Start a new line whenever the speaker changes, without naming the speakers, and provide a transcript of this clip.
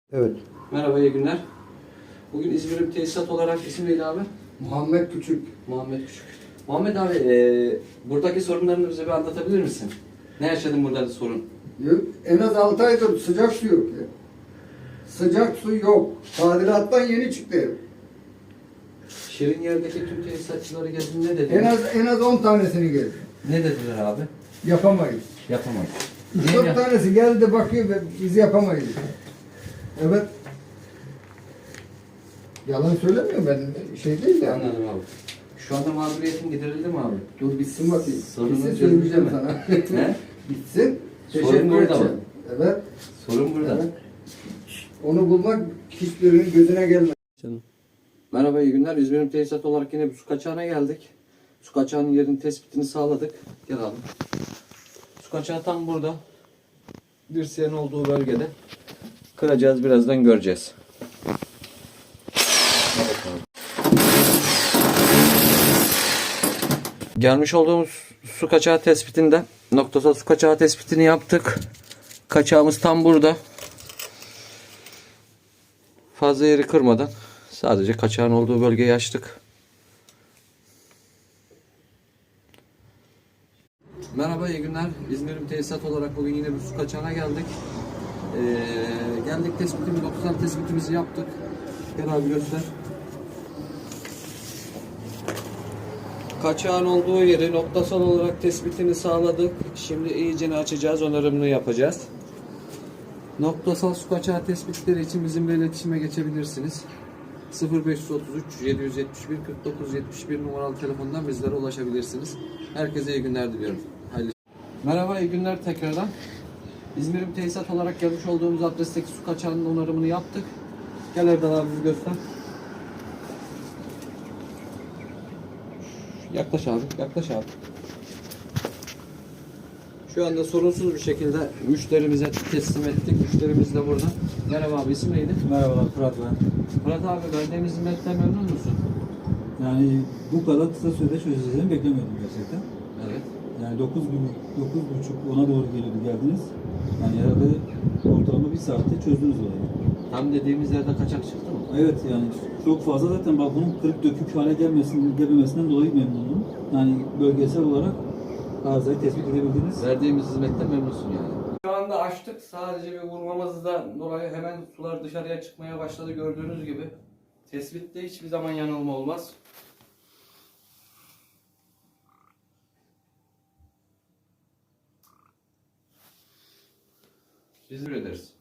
Evet.
Merhaba, iyi günler. Bugün İzmir'e bir tesisat olarak isim neydi abi?
Muhammed Küçük.
Muhammed Küçük. Muhammed abi, buradaki sorunlarını bize bir anlatabilir misin? Ne yaşadın burada sorun?
En az 6 aydır sıcak su yok ya. Sıcak su yok. Tadilattan yeni çıktı ev.
Şirin yerdeki tüm tesisatçıları gezdin, ne dediler?
En az 10 tanesini geldi.
Ne dediler abi?
Yapamayız.
Yapamayız.
3-4 tanesi geldi bakıyor ve biz yapamayız. Evet. Yalan söylemiyorum ben. Şey değil ya.
Anladım abi. Şu anda mağduriyetin giderildi mi abi?
Dur bitsin bakayım.
Sorunun
Bitsin
çözümü
söyleyeceğim
mi?
sana.
Ne?
Bitsin.
Sorun
Teşekkür
burada
edeceğim.
mı?
Evet.
Sorun burada.
Evet. Onu bulmak hiçbirinin gözüne gelmez.
Canım. Merhaba, iyi günler. İzmir'in tesisat olarak yine bir su kaçağına geldik. Su kaçağının yerinin tespitini sağladık. Gel abi. Su kaçağı tam burada. Dirseğin olduğu bölgede. Kıracağız, birazdan göreceğiz. Gelmiş olduğumuz su kaçağı tespitinde noktasal su kaçağı tespitini yaptık. Kaçağımız tam burada. Fazla yeri kırmadan sadece kaçağın olduğu bölgeyi açtık. Merhaba, iyi günler. İzmir'in tesisat olarak bugün yine bir su kaçağına geldik. Geldik, noktasal tespitimizi yaptık. Gel abi, göster. Kaçağın olduğu yeri noktasal olarak tespitini sağladık. Şimdi iyicene açacağız, onarımını yapacağız. Noktasal su kaçağı tespitleri için bizimle iletişime geçebilirsiniz. 0533 771 49 71 numaralı telefondan bizlere ulaşabilirsiniz. Herkese iyi günler diliyorum. Hayırlı. Merhaba, iyi günler tekrardan. İzmir'in tesisat olarak gelmiş olduğumuz adresteki su kaçağının onarımını yaptık. Gel Erdal abi, bir göster. Yaklaş abi, yaklaş abi. Şu anda sorunsuz bir şekilde müşterimize teslim ettik. Müşterimiz de burada. Merhaba abi, isim neydi?
Merhabalar, Fırat ben.
Murat abi, verdiğimiz hizmetten memnun musun?
Yani bu kadar kısa sürede çözeceğini beklemiyordum gerçekten.
Evet.
Yani 9 gün, 9.30 ona doğru geliyordu geldiniz. Yani herhalde ortalama bir saatte çözdünüz olayı.
Tam dediğimiz yerde kaçak çıktı mı?
Evet, yani çok fazla zaten balkonun kırık dökük hale gelmemesinden dolayı memnunum. Yani bölgesel olarak arızayı tespit edebildiniz.
Verdiğimiz hizmetten memnunsun yani. Şu anda açtık. Sadece bir vurmamızdan dolayı hemen sular dışarıya çıkmaya başladı, gördüğünüz gibi. Tespitte hiçbir zaman yanılma olmaz. Biz ederiz.